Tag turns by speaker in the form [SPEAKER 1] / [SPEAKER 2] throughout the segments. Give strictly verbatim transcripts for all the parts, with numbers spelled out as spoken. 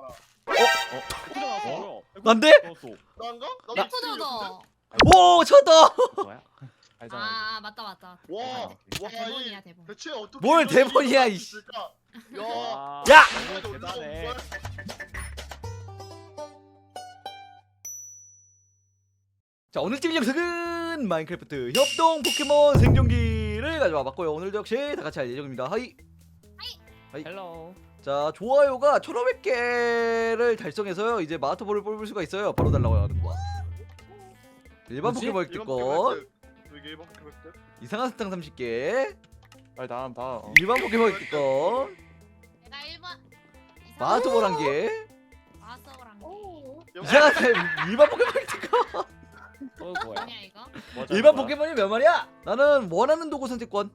[SPEAKER 1] 어?
[SPEAKER 2] 난데?
[SPEAKER 3] 난가?
[SPEAKER 2] 나-
[SPEAKER 3] 나도
[SPEAKER 2] 오 쳤다.
[SPEAKER 1] 뭐야? 알잖아.
[SPEAKER 4] 아 맞다 맞다.
[SPEAKER 3] 와,
[SPEAKER 4] 아,
[SPEAKER 3] 와,
[SPEAKER 4] 대본이야
[SPEAKER 3] 이
[SPEAKER 4] 대본.
[SPEAKER 3] 대체 어떻게
[SPEAKER 2] 뭘
[SPEAKER 3] 이런 일이
[SPEAKER 2] 대본이야,
[SPEAKER 3] 일어날 수
[SPEAKER 2] 이씨.
[SPEAKER 3] 있을까? 야,
[SPEAKER 1] 와,
[SPEAKER 2] 야!
[SPEAKER 1] 너무 대단해.
[SPEAKER 2] 자 오늘 팀 영상은 마인크래프트 협동 포켓몬 생존기를 가져와 봤고요. 오늘도 역시 다 같이 할 예정입니다. 하이.
[SPEAKER 1] 헬로.
[SPEAKER 2] 자 좋아요가 천오백 개를 달성해서요 이제 마스터볼을 뽑을 수가 있어요. 바로 달라고 하는 거야. 일반
[SPEAKER 1] 뭐지?
[SPEAKER 2] 포켓몬
[SPEAKER 3] 이런
[SPEAKER 2] 획득권,
[SPEAKER 3] 포켓몬 되게 일반 포켓몬 획득?
[SPEAKER 2] 이상한 사탕 삼십 개,
[SPEAKER 1] 빨리 다음 다음. 어.
[SPEAKER 2] 일반 포켓몬 획득권,
[SPEAKER 4] 내가 일 번
[SPEAKER 2] 마스터볼 한 개,
[SPEAKER 4] 마스터랑
[SPEAKER 2] 이상한 사탕 일반 포켓몬 획득권.
[SPEAKER 1] 또 뭐야?
[SPEAKER 4] 뭐냐 이거?
[SPEAKER 1] 뭐죠,
[SPEAKER 2] 일반
[SPEAKER 1] 뭐야?
[SPEAKER 2] 포켓몬이 몇 마리야? 나는 원하는 도구 선택권.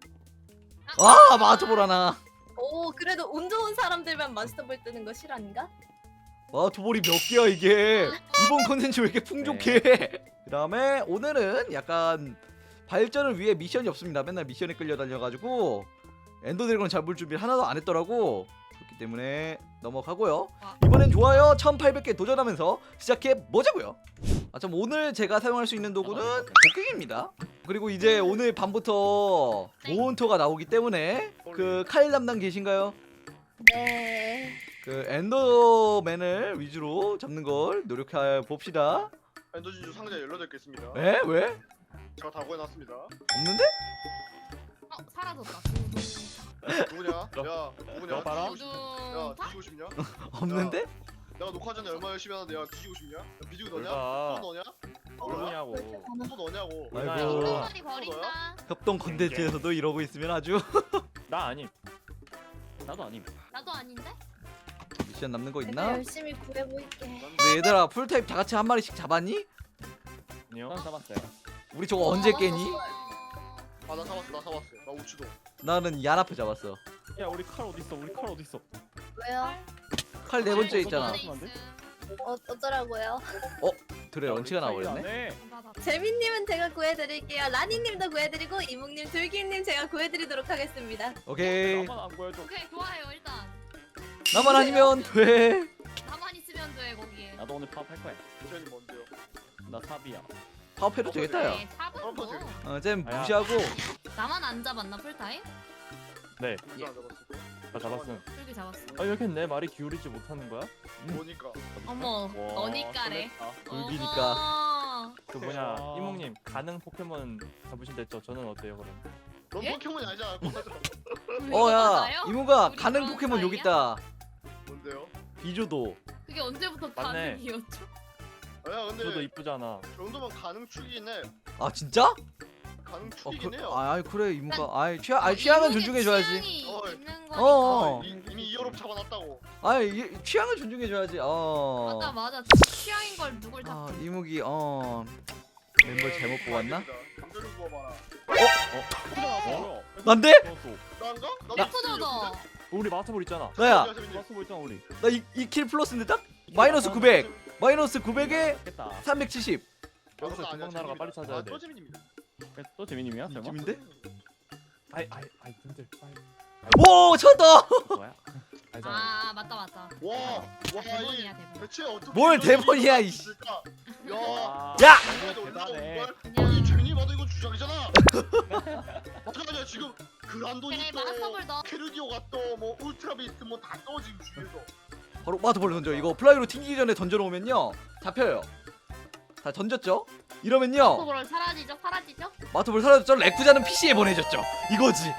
[SPEAKER 2] 아 마스터볼 하나.
[SPEAKER 5] 오 그래도 운 좋은 사람들만 마스터볼 뜨는 거 실화인가?
[SPEAKER 2] 마스터볼이 몇 개야 이게? 이번 컨텐츠 왜 이렇게 풍족해? 그 다음에 오늘은 약간 발전을 위해 미션이 없습니다. 맨날 미션에 끌려다녀가지고 엔더 드래곤 잡을 준비를 하나도 안 했더라고. 그렇기 때문에 넘어가고요. 이번엔 좋아요 천팔백 개 도전하면서 시작해 보자고요. 아, 참 오늘 제가 사용할 수 있는 도구는 곡괭이입니다. 그리고 이제 오늘 밤부터 모헌터가 나오기 때문에 그 칼 담당 계신가요?
[SPEAKER 5] 네.
[SPEAKER 2] 그 엔더맨을 위주로 잡는 걸 노력해 봅시다.
[SPEAKER 3] 엔더진주 상자 열여덟 개 있습니다.
[SPEAKER 2] 에? 왜?
[SPEAKER 3] 제가 다 구해놨습니다.
[SPEAKER 2] 없는데?
[SPEAKER 4] 어 사라졌다.
[SPEAKER 3] 누구냐? 야, 누구냐?
[SPEAKER 1] 너 봐라.
[SPEAKER 3] 뒤지고 싶- 야,
[SPEAKER 4] 우두타?
[SPEAKER 3] 뒤지고 싶냐?
[SPEAKER 2] 없는데?
[SPEAKER 3] 내가 녹화 전에 얼마나 열심히 하는데 야, 뒤지고 싶냐? 야, 비지고 너냐?
[SPEAKER 1] 뭘까?
[SPEAKER 3] 또 너냐?
[SPEAKER 1] 누구냐고.
[SPEAKER 3] 또 너냐고?
[SPEAKER 2] 아이고.
[SPEAKER 4] 흰머리 버린다.
[SPEAKER 2] 협동 컨텐츠에서도 이러고 있으면 아주
[SPEAKER 1] 나 아님. 나도 아님.
[SPEAKER 4] 나도 아닌데?
[SPEAKER 2] 미션 남는 거
[SPEAKER 5] 내가
[SPEAKER 2] 있나?
[SPEAKER 5] 열심히 구해볼게.
[SPEAKER 2] 근데 얘들아 풀타입 다 같이 한 마리씩 잡았니?
[SPEAKER 1] 아니요. 난 잡았어요.
[SPEAKER 2] 우리 저거 언제 깨니?
[SPEAKER 3] 아, 나 사봤어, 나 사봤어. 나 우추도.
[SPEAKER 2] 나는 야나프 잡았어.
[SPEAKER 1] 야 우리 칼 어디 있어? 우리 칼 어디 있어?
[SPEAKER 5] 왜요?
[SPEAKER 2] 칼 네 번째 있잖아.
[SPEAKER 5] 어 어쩌라고요?
[SPEAKER 2] 그래 런치가 나와버렸네.
[SPEAKER 5] 재민님은 제가 구해드릴게요. 라니님도 구해드리고 이묵님, 둘기님 제가 구해드리도록 하겠습니다.
[SPEAKER 2] 오케이.
[SPEAKER 1] 나만 안 보여줘.
[SPEAKER 4] 오케이 좋아요 일단.
[SPEAKER 2] 나만 아니면 돼.
[SPEAKER 4] 나만 있으면 돼 거기에.
[SPEAKER 1] 나도 오늘 파업할 거야.
[SPEAKER 3] 미션이 뭔데요?
[SPEAKER 1] 나 삽이야.
[SPEAKER 2] 파업해도 되겠다 야.
[SPEAKER 4] 네, 탑은 뭐.
[SPEAKER 2] 어, 쟨
[SPEAKER 1] 아야.
[SPEAKER 2] 무시하고.
[SPEAKER 4] 나만 안 잡았나 풀타임?
[SPEAKER 1] 네.
[SPEAKER 3] 예. 안 잡았어.
[SPEAKER 1] 나 잡았음.
[SPEAKER 4] 풀기 잡았어.
[SPEAKER 1] 아 이렇게 내 말이 기울이지 못하는 거야?
[SPEAKER 3] 뭐니까?
[SPEAKER 4] 어머
[SPEAKER 1] 와,
[SPEAKER 4] 너니까래.
[SPEAKER 1] 설렜다.
[SPEAKER 2] 불기니까.
[SPEAKER 4] 어머.
[SPEAKER 1] 그 뭐냐
[SPEAKER 3] 아.
[SPEAKER 1] 이몽님 가능 포켓몬 잡으신댔죠? 저는 어때요 그럼?
[SPEAKER 3] 넌
[SPEAKER 4] 예?
[SPEAKER 3] 포켓몬이 아니잖아. 맞아.
[SPEAKER 2] 어야
[SPEAKER 4] 맞아요?
[SPEAKER 2] 이모가
[SPEAKER 4] 우리
[SPEAKER 2] 가는
[SPEAKER 4] 그런
[SPEAKER 2] 포켓몬 여기
[SPEAKER 4] 사이야?
[SPEAKER 2] 있다.
[SPEAKER 3] 뭔데요?
[SPEAKER 2] 비조도.
[SPEAKER 4] 그게 언제부터
[SPEAKER 1] 맞네.
[SPEAKER 4] 가능이었죠?
[SPEAKER 3] 야, 근데
[SPEAKER 1] 저도 이쁘잖아.
[SPEAKER 3] 저 정도면 가능 축이긴 해.
[SPEAKER 2] 아 진짜?
[SPEAKER 3] 가능
[SPEAKER 2] 어,
[SPEAKER 3] 축이긴
[SPEAKER 2] 그,
[SPEAKER 3] 해요.
[SPEAKER 2] 아 아이, 그래 이모가 아이 취향 아이 취향은
[SPEAKER 4] 이분의
[SPEAKER 2] 존중해줘야지.
[SPEAKER 4] 취향이
[SPEAKER 3] 어,
[SPEAKER 4] 있는
[SPEAKER 2] 어,
[SPEAKER 4] 거니까.
[SPEAKER 2] 어.
[SPEAKER 3] 이, 이미 이어롭 잡아놨다고.
[SPEAKER 2] 아이 이- 취향을 존중해줘야지. 어.
[SPEAKER 4] 맞아 맞아 취향인 걸 누굴 다.
[SPEAKER 2] 아 이목이 어 멤버 잘못 뽑았나?
[SPEAKER 3] 감자를 구워봐라.
[SPEAKER 1] 어?
[SPEAKER 2] 난데?
[SPEAKER 3] 난가? 나도
[SPEAKER 4] 예쁘잖아.
[SPEAKER 1] 우리 마스터볼 있잖아.
[SPEAKER 2] 나야
[SPEAKER 1] 마스터볼 있잖아 우리.
[SPEAKER 2] 나 이 킬 플러스인데 딱 마이너스 구백 마이너스 구백에
[SPEAKER 1] 겠다.
[SPEAKER 2] 삼백칠십
[SPEAKER 1] 여기서 금방 나라가 빨리 찾아야 돼.
[SPEAKER 3] 또 재민입니다.
[SPEAKER 1] 또 재민님이야 설마?
[SPEAKER 2] 이쯤인데?
[SPEAKER 1] 아이 아이 아이 분들 빨리.
[SPEAKER 2] 오 쳤다.
[SPEAKER 1] 뭐야? 알잖아.
[SPEAKER 4] 아 맞다 맞다.
[SPEAKER 3] 와, 와, 이
[SPEAKER 4] 대본이야 대본.
[SPEAKER 3] 대체 어떻게
[SPEAKER 2] 뭘
[SPEAKER 3] 이런 일이
[SPEAKER 2] 대본이야,
[SPEAKER 3] 일어날 수
[SPEAKER 2] 이씨.
[SPEAKER 3] 있을까? 야,
[SPEAKER 1] 와,
[SPEAKER 2] 야!
[SPEAKER 1] 너무 대단해.
[SPEAKER 3] 아니 재민이 봐도 이건 주작이잖아. 맞아, 지금 그란돈이
[SPEAKER 4] 그래
[SPEAKER 3] 또
[SPEAKER 4] 마스터볼 넣어.
[SPEAKER 3] 캐르디오가 또 뭐 울트라 비스트 뭐 다 떠 지금 주위에서.
[SPEAKER 2] 바로 마트볼 던져. 이거 플라이로 튕기기 전에 던져놓으면요 잡혀요. 다 던졌죠? 이러면요
[SPEAKER 4] 마스터볼 사라지죠 사라지죠?
[SPEAKER 2] 마트볼 사라졌죠? 레쿠자는 피시에 보내줬죠. 이거지.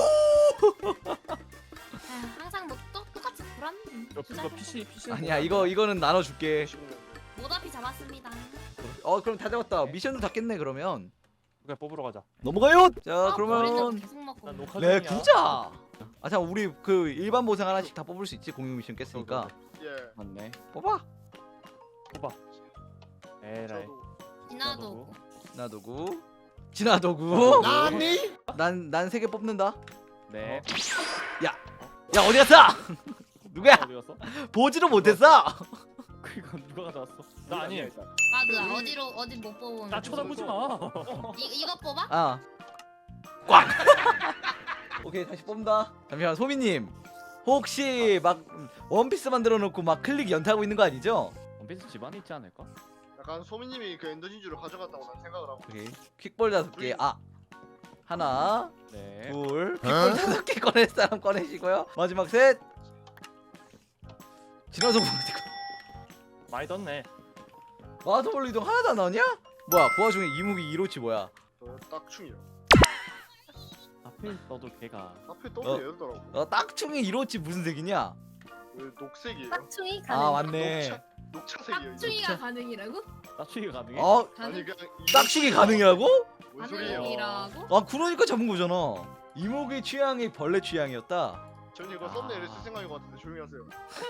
[SPEAKER 4] 아휴, 항상 뭐 또, 똑같이 불안.
[SPEAKER 1] 이거 이거 피씨 피씨.
[SPEAKER 2] 아니야 이거 이거는 나눠줄게.
[SPEAKER 4] 모다피 잡았습니다.
[SPEAKER 2] 어 그럼 다 잡았다. 미션도 다 깼네 그러면.
[SPEAKER 1] 그냥 뽑으러 가자.
[SPEAKER 2] 넘어가요. 자
[SPEAKER 4] 아, 머리는
[SPEAKER 2] 그러면
[SPEAKER 4] 계속 먹고.
[SPEAKER 1] 난 녹화
[SPEAKER 2] 네
[SPEAKER 1] 중이야.
[SPEAKER 2] 구자. 아참 우리 그 일반 보상 하나씩 다 뽑을 수 있지. 공유 미션 깼으니까
[SPEAKER 3] 예.
[SPEAKER 1] 맞네.
[SPEAKER 2] 뽑아.
[SPEAKER 1] 뽑아. 에라이.
[SPEAKER 3] 저도.
[SPEAKER 4] 지나도 오고.
[SPEAKER 2] 나도구. 진화도구.
[SPEAKER 3] 나니?
[SPEAKER 2] 난난 세 개 뽑는다.
[SPEAKER 1] 네.
[SPEAKER 2] 야 어디 갔어? 누구야?
[SPEAKER 1] 어디 갔어?
[SPEAKER 2] 보지도 못했어.
[SPEAKER 1] 그거 누가 가져왔어? 나 아니.
[SPEAKER 4] 맞아 어디로 어디 못 뽑으면.
[SPEAKER 1] 나 쳐다보지 마.
[SPEAKER 4] 이 이거 뽑아?
[SPEAKER 2] 아. 꽝. 오케이 다시 뽑는다. 잠시만 소미님. 혹시 막 원피스 만들어 놓고 막 클릭 연타하고 있는 거 아니죠?
[SPEAKER 6] 원피스 집안에 있지 않을까?
[SPEAKER 3] 약간 소민님이 그 엔더 진주를 가져갔다고 난 생각을 하고.
[SPEAKER 2] 오케이. 퀵볼 다섯 개. 아 하나,
[SPEAKER 6] 네.
[SPEAKER 2] 둘. 퀵볼 다섯 개 꺼낼 사람 꺼내시고요. 마지막 셋. 지나서 보고
[SPEAKER 1] 많이 떴네.
[SPEAKER 2] 마더볼 이동 하나도 안 나오냐? 뭐야 그 와중에 이무기 이로치 뭐야?
[SPEAKER 3] 저 딱충이요.
[SPEAKER 6] 앞에 떠도 걔가
[SPEAKER 3] 앞에
[SPEAKER 2] 어.
[SPEAKER 3] 떠도 얘더라고.
[SPEAKER 2] 어 딱충이 이로치 무슨 색이냐?
[SPEAKER 3] 그 녹색이에요.
[SPEAKER 5] 빡충이 가능.
[SPEAKER 2] 아 맞네.
[SPEAKER 3] 녹차 녹차색이에요. 이거.
[SPEAKER 4] 깍충이가 가능이라고?
[SPEAKER 6] 따추기가 가능해?
[SPEAKER 2] 어
[SPEAKER 3] 아니 그냥 이-
[SPEAKER 2] 딱충이 가능이라고?
[SPEAKER 3] 뭔 소리예요?
[SPEAKER 4] 가능이라고?
[SPEAKER 2] 아 그러니까 잡은 거잖아. 이목의 취향이 벌레 취향이었다.
[SPEAKER 3] 저는 이거
[SPEAKER 6] 아.
[SPEAKER 3] 썸네일에 쓸 생각인 것 같은데 조용히 하세요.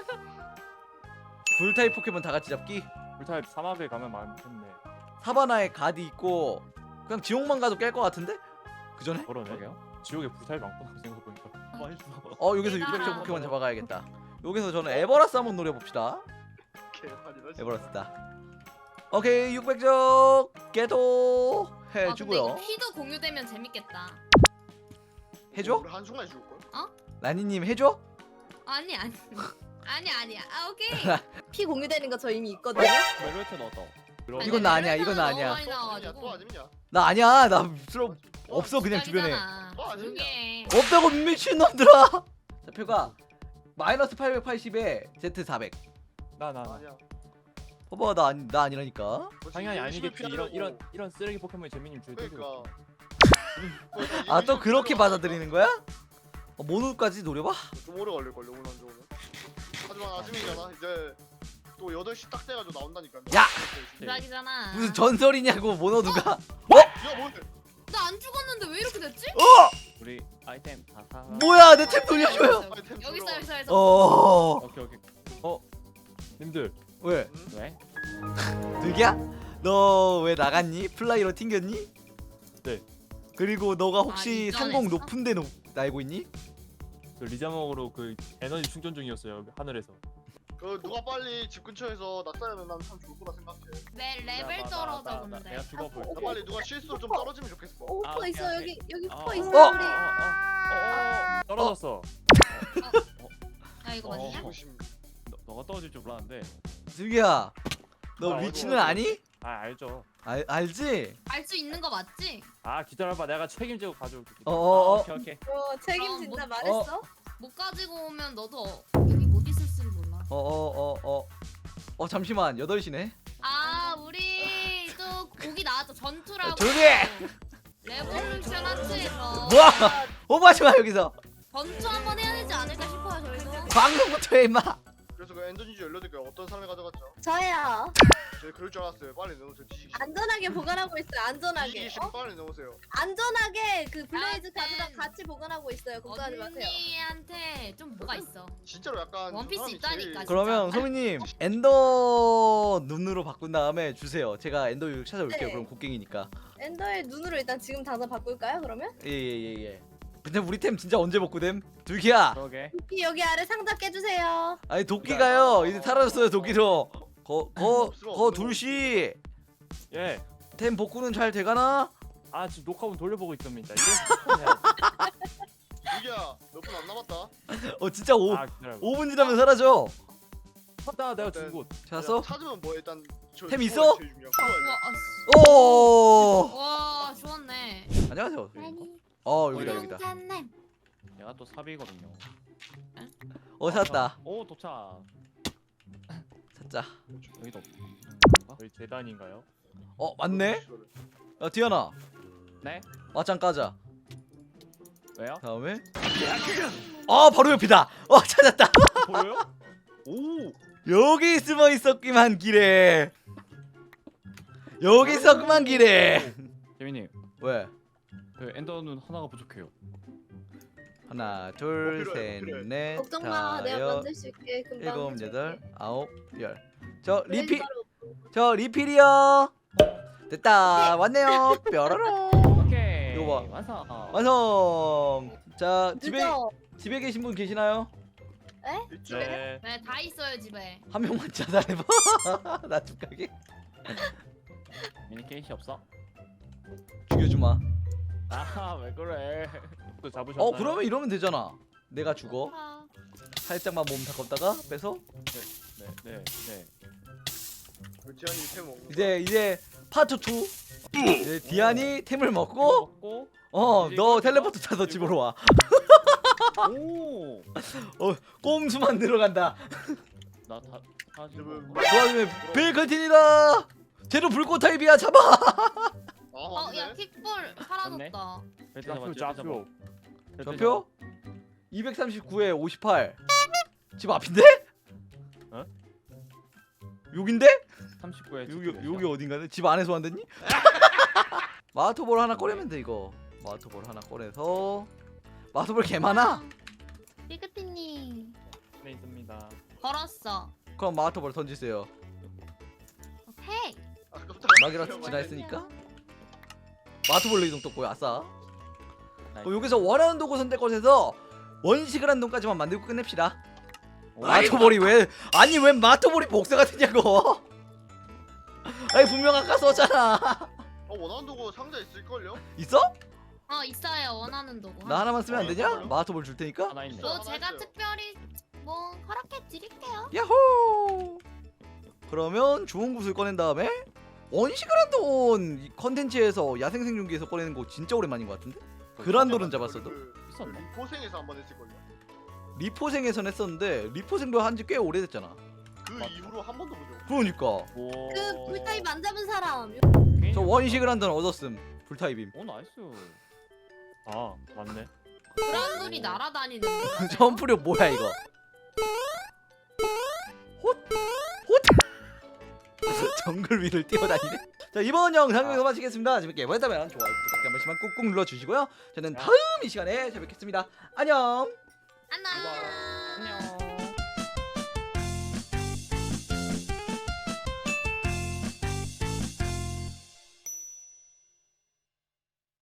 [SPEAKER 2] 불 타입 포켓몬 다 같이 잡기.
[SPEAKER 1] 불타입 사막에 가면 많겠네.
[SPEAKER 2] 사바나에 가디 있고 그냥 지옥만 가도 깰 것 같은데? 그 전에?
[SPEAKER 1] 그러네.
[SPEAKER 6] 저게요?
[SPEAKER 1] 지옥에 불타입 많구나 생각해보니까.
[SPEAKER 6] 맛있어.
[SPEAKER 2] 어 여기서
[SPEAKER 4] 대단하다.
[SPEAKER 2] 육백 점 포켓몬 잡아가야겠다. 여기서 저는 에버라스 한번 노려봅시다.
[SPEAKER 3] 개판이다. 진짜.
[SPEAKER 2] 에버라스다. 오케이 육백 점 개도
[SPEAKER 4] 아 근데
[SPEAKER 2] 해주고요.
[SPEAKER 4] 이거 피도 공유되면 재밌겠다.
[SPEAKER 2] 해줘?
[SPEAKER 3] 우리 한순간에 죽을 걸?
[SPEAKER 2] 라니님 해줘?
[SPEAKER 4] 아니 아니 아니 아니야. 아 오케이.
[SPEAKER 5] 피 공유되는 거 저 이미 있거든요.
[SPEAKER 6] 멜로트 넣었다.
[SPEAKER 1] 그럼
[SPEAKER 2] 이건 나 아니야,
[SPEAKER 4] 멜로디가
[SPEAKER 2] 이건 나
[SPEAKER 4] 너무
[SPEAKER 2] 아니야.
[SPEAKER 4] 많이
[SPEAKER 3] 또
[SPEAKER 4] 나와가지고.
[SPEAKER 3] 아니냐?
[SPEAKER 2] 나 아니야. 나 필요 없어 그냥 주변에.
[SPEAKER 4] 기다리잖아.
[SPEAKER 3] 또 아니냐?
[SPEAKER 4] 조용히 해.
[SPEAKER 2] 없다고 미친놈들아. 좌표가 마이너스 팔백팔십에 제트 사백.
[SPEAKER 1] 나 나. 나.
[SPEAKER 3] 아니야.
[SPEAKER 2] 봐봐 나, 아니, 나 아니라니까.
[SPEAKER 3] 뭐
[SPEAKER 1] 당연히
[SPEAKER 3] 지금
[SPEAKER 1] 아니겠지.
[SPEAKER 3] 열심히
[SPEAKER 1] 이런 이런
[SPEAKER 3] 피하려고.
[SPEAKER 1] 이런 쓰레기 포켓몬이 재민님 주에
[SPEAKER 3] 그러니까.
[SPEAKER 2] 아 또 그렇게 받아들이는 거야? 어, 모노까지 노려봐?
[SPEAKER 3] 좀 오래 걸릴 걸요 오늘 안 좋으면. 하지만 아침이잖아. 이제 또 여덟 시 딱 돼가지고 나온다니까.
[SPEAKER 2] 야!
[SPEAKER 4] 기다리잖아.
[SPEAKER 2] 무슨 전설이냐고 모노 누가?
[SPEAKER 3] 야 뭔데?
[SPEAKER 4] 나안 죽었는데 왜 이렇게 됐지?
[SPEAKER 2] 어!
[SPEAKER 6] 우리 아이템 다 사.
[SPEAKER 2] 뭐야 내 템 돌려줘요.
[SPEAKER 3] 아니, 템
[SPEAKER 4] 여기 있어
[SPEAKER 3] 들어와.
[SPEAKER 4] 여기 있어 여기 있어.
[SPEAKER 2] 어
[SPEAKER 6] 오케이 오케이.
[SPEAKER 1] 님들
[SPEAKER 2] 왜?
[SPEAKER 3] 응?
[SPEAKER 6] 왜?
[SPEAKER 2] 득이야? 너 왜 나갔니? 플라이로 튕겼니?
[SPEAKER 1] 네.
[SPEAKER 2] 그리고 너가 혹시
[SPEAKER 4] 아,
[SPEAKER 2] 상공
[SPEAKER 4] 이전했어?
[SPEAKER 2] 높은데 노, 날고 있니?
[SPEAKER 1] 그 리자몽으로 그 에너지 충전 중이었어요 하늘에서.
[SPEAKER 3] 그 누가 빨리 집 근처에서 낙사하면 난 참 좋을 거라 생각해.
[SPEAKER 4] 내 레벨
[SPEAKER 6] 나, 나,
[SPEAKER 4] 떨어져
[SPEAKER 6] 나, 나,
[SPEAKER 4] 근데.
[SPEAKER 6] 내가 죽어볼.
[SPEAKER 3] 나 빨리 누가 실수로 좀 떨어지면 좋겠어.
[SPEAKER 5] 오,
[SPEAKER 6] 아,
[SPEAKER 5] 푸
[SPEAKER 6] 오케이,
[SPEAKER 5] 있어
[SPEAKER 6] 오케이.
[SPEAKER 5] 여기 여기
[SPEAKER 6] 어,
[SPEAKER 5] 푸 있어
[SPEAKER 2] 어.
[SPEAKER 5] 우리.
[SPEAKER 6] 어어어.
[SPEAKER 1] 떨어졌어.
[SPEAKER 4] 야 이거
[SPEAKER 6] 어.
[SPEAKER 4] 맞냐?
[SPEAKER 3] 조심.
[SPEAKER 6] 너 너가 떨어질 줄 몰랐는데.
[SPEAKER 2] 득이야 너
[SPEAKER 1] 아,
[SPEAKER 2] 위치는
[SPEAKER 1] 어디, 어디?
[SPEAKER 2] 아니?
[SPEAKER 1] 아 알죠.
[SPEAKER 2] 알, 알지?
[SPEAKER 4] 알 수 있는 거 맞지?
[SPEAKER 1] 아 기다려봐 내가 책임지고 가져올게.
[SPEAKER 6] 아,
[SPEAKER 2] 어어어
[SPEAKER 6] 오케이 오케이.
[SPEAKER 5] 어 책임진다
[SPEAKER 4] 어, 뭐-
[SPEAKER 5] 말했어.
[SPEAKER 4] 못 가지고 오면 너도 어- 여기 못 있을 줄 몰라.
[SPEAKER 2] 어어어어 어 잠시만 여덟 시네
[SPEAKER 4] 아 우리 또 곡이 나왔죠. 전투라고.
[SPEAKER 2] 조용히 해!
[SPEAKER 4] 레볼루션 하츠에서
[SPEAKER 2] 뭐야 오버하지마 여기서
[SPEAKER 4] 전투 한번 해야 되지 않을까 싶어요 저희도.
[SPEAKER 2] 방금부터 해 임마
[SPEAKER 3] 그래서 그 엔더 진주 열여덟 개 어떤 사람이 가져갔죠?
[SPEAKER 5] 저예요.
[SPEAKER 3] 제가 그럴 줄 알았어요. 빨리 넣으세요. 뒤지기 싫어.
[SPEAKER 5] 안전하게 보관하고 있어요. 안전하게.
[SPEAKER 3] 뒤지기
[SPEAKER 5] 어?
[SPEAKER 3] 싫으면 빨리 넣으세요.
[SPEAKER 5] 안전하게 그 블레이즈
[SPEAKER 4] 나한텐
[SPEAKER 5] 가드랑 같이 보관하고 있어요. 걱정하지 마세요.
[SPEAKER 4] 언니한테 좀 뭐가 있어.
[SPEAKER 3] 진짜로 약간
[SPEAKER 4] 원피스
[SPEAKER 3] 사람이
[SPEAKER 4] 있다니까,
[SPEAKER 3] 제일-
[SPEAKER 4] 진짜.
[SPEAKER 2] 그러면 소민님 엔더 눈으로 바꾼 다음에 주세요 제가 엔더 유육 찾아올게요
[SPEAKER 5] 네.
[SPEAKER 2] 그럼 곡괭이니까
[SPEAKER 5] 엔더의 눈으로 일단 지금 당장 바꿀까요? 그러면?
[SPEAKER 2] 예예예예 근데 우리 템 진짜 언제 복구됨? 둘기야
[SPEAKER 6] 그러게.
[SPEAKER 5] 피 여기 아래 상자 깨주세요.
[SPEAKER 2] 아니 도끼가요 이제 사라졌어요 도끼로 거거
[SPEAKER 3] 없어,
[SPEAKER 2] 거
[SPEAKER 3] 없는
[SPEAKER 2] 둘씨
[SPEAKER 1] 예.
[SPEAKER 2] 템 복구는 잘 돼가나?
[SPEAKER 1] 아 지금 녹화본 돌려보고 있습니다. 이래서 해야지.
[SPEAKER 3] 유기야 몇 분 안 남았다.
[SPEAKER 2] 어 진짜 오,
[SPEAKER 1] 아 기다려.
[SPEAKER 2] 오 분 지나면 사라져
[SPEAKER 1] 찾다 내가 준 곳.
[SPEAKER 2] 찾았어?
[SPEAKER 3] 찾으면 뭐 일단 저
[SPEAKER 2] 템
[SPEAKER 3] 그거가
[SPEAKER 2] 있어?
[SPEAKER 3] 제일 중요한
[SPEAKER 4] 우와,
[SPEAKER 3] 거야.
[SPEAKER 2] 오
[SPEAKER 4] 아씨. 와 좋았네.
[SPEAKER 2] 안녕하세요 어 여기다 여기다
[SPEAKER 4] 님
[SPEAKER 6] 내가 또 삽이거든요.
[SPEAKER 2] 어 찾았다
[SPEAKER 6] 오 도착.
[SPEAKER 2] 찾자
[SPEAKER 6] 여기도.
[SPEAKER 1] 저희 재단인가요?
[SPEAKER 2] 어 맞네? 야 디아나
[SPEAKER 6] 네?
[SPEAKER 2] 맞짱 까자
[SPEAKER 6] 왜요?
[SPEAKER 2] 다음에 아 바로 옆이다 어 찾았다
[SPEAKER 1] 보여요? 오.
[SPEAKER 2] 여기 숨어 있었기만 길에 여기 있었구만 길에
[SPEAKER 6] 재민님,
[SPEAKER 2] 왜
[SPEAKER 6] 그 엔더는 하나가 부족해요.
[SPEAKER 2] 하나
[SPEAKER 3] 뭐 필요해, 뭐 필요해.
[SPEAKER 2] 둘셋넷
[SPEAKER 5] 걱정 마. 내가
[SPEAKER 2] 다섯
[SPEAKER 5] 만들 수 있게 금방.
[SPEAKER 2] 일곱
[SPEAKER 5] 해줄게.
[SPEAKER 2] 여덟 아홉 열저
[SPEAKER 5] 블레이즈
[SPEAKER 2] 리필
[SPEAKER 5] 바로
[SPEAKER 2] 저 리필이요 됐다 왔네요 뾰로롱
[SPEAKER 6] 오케이.
[SPEAKER 2] 이거 봐.
[SPEAKER 6] 완성.
[SPEAKER 2] 완성 자 집에
[SPEAKER 5] 늦어.
[SPEAKER 2] 집에 계신 분 계시나요?
[SPEAKER 3] 있죠?
[SPEAKER 1] 네.
[SPEAKER 4] 네, 다 있어요 집에.
[SPEAKER 2] 한 명만 자살해봐 나 죽가게
[SPEAKER 6] 미니 케이시 없어?
[SPEAKER 2] 죽여주마
[SPEAKER 6] 아 왜 그래?
[SPEAKER 1] 또 잡으셨나요?
[SPEAKER 2] 어 그러면 이러면 되잖아 내가 죽어
[SPEAKER 4] 아,
[SPEAKER 2] 살짝만 몸 닦았다가 빼서
[SPEAKER 6] 네, 네, 네.
[SPEAKER 3] 그 지한이 템 먹는 거.
[SPEAKER 2] 이제 이제 파트 투. 이제 디안이 템을 먹고
[SPEAKER 6] 먹고
[SPEAKER 2] 어
[SPEAKER 6] 이제
[SPEAKER 2] 너
[SPEAKER 6] 이거
[SPEAKER 2] 텔레포트
[SPEAKER 6] 이거?
[SPEAKER 2] 타서 집으로 와.
[SPEAKER 6] 오.
[SPEAKER 2] 꼼수만 들어간다.
[SPEAKER 6] 나다 다시
[SPEAKER 3] 지금
[SPEAKER 6] 먹어.
[SPEAKER 2] 도와주면 빌컨틴이다. 쟤도 불꽃 타입이야. 잡아.
[SPEAKER 3] 아
[SPEAKER 4] 어, 야,
[SPEAKER 3] 맞네.
[SPEAKER 4] 킥볼 사라졌다.
[SPEAKER 6] 벨트
[SPEAKER 1] 좌표
[SPEAKER 6] 잡았지,
[SPEAKER 1] 좌표.
[SPEAKER 6] 벨트
[SPEAKER 2] 좌표 이백삼십구에 오십팔. 집 앞인데?
[SPEAKER 1] 어?
[SPEAKER 2] 여긴데?
[SPEAKER 6] 잡아. 삼십구에
[SPEAKER 2] 여기 여기 어딘가네? 집 안에서 만드니? 마토볼 하나 꺼내면 돼 이거. 마토볼 하나 꺼내서 마토볼 개 많아.
[SPEAKER 4] 삐그티님
[SPEAKER 1] 네 있습니다.
[SPEAKER 4] 걸었어.
[SPEAKER 2] 그럼 마토볼 던지세요.
[SPEAKER 4] 오케이.
[SPEAKER 3] 아 깜짝이야.
[SPEAKER 2] 막이라서 지나했으니까. 마토볼로 이동 떴고요. 아싸.
[SPEAKER 6] 나이스.
[SPEAKER 2] 그럼 여기서 원하는 도구 선택권에서 원식을 한 놈까지만 만들고 끝냅시다.
[SPEAKER 6] 오.
[SPEAKER 2] 마토볼이 왜 아니 왜 마토볼이 복사가 되냐고. 아니 분명 아까 썼잖아.
[SPEAKER 3] 어 원하는 도구 상자 있을걸요?
[SPEAKER 2] 있어?
[SPEAKER 4] 어, 있어요. 원하는 도구.
[SPEAKER 2] 나 하나만 쓰면 안 되냐?
[SPEAKER 3] 있어요?
[SPEAKER 2] 마토볼 줄 테니까.
[SPEAKER 6] 하나 있네.
[SPEAKER 3] 있어.
[SPEAKER 4] 뭐 제가
[SPEAKER 3] 하나
[SPEAKER 4] 특별히 뭐 허락해 드릴게요.
[SPEAKER 2] 야호. 그러면 좋은 구슬 꺼낸 다음에 원식을 한돈 컨텐츠에서 야생생존기에서 꺼내는 거 진짜 오랜만인 것 같은데? 그란돌은 잡았어도
[SPEAKER 3] 그,
[SPEAKER 6] 있었나?
[SPEAKER 3] 리포생에서 한 번 했을걸요?
[SPEAKER 2] 리포생에선 했었는데 리포생도 한지 꽤 오래됐잖아.
[SPEAKER 3] 그
[SPEAKER 6] 맞다.
[SPEAKER 3] 이후로 한 번도 보죠.
[SPEAKER 2] 그러니까
[SPEAKER 6] 오.
[SPEAKER 5] 그 불타입 안 잡은 사람.
[SPEAKER 2] 저 원식을 한돈 얻었음. 불타입임.
[SPEAKER 6] 오 나이스.
[SPEAKER 1] 아 맞네.
[SPEAKER 4] 그란돌이 날아다니는 거.
[SPEAKER 2] 점프력 뭐야 이거? 헛? 헛? 정글 위를 뛰어다니네. 자 이번 영상 여기서 마치겠습니다. 재밌게 보셨다면 좋아요, 구독 한 번씩만 꾹꾹 눌러주시고요. 저는 다음 이 시간에 뵙겠습니다. 안녕.
[SPEAKER 4] 안녕.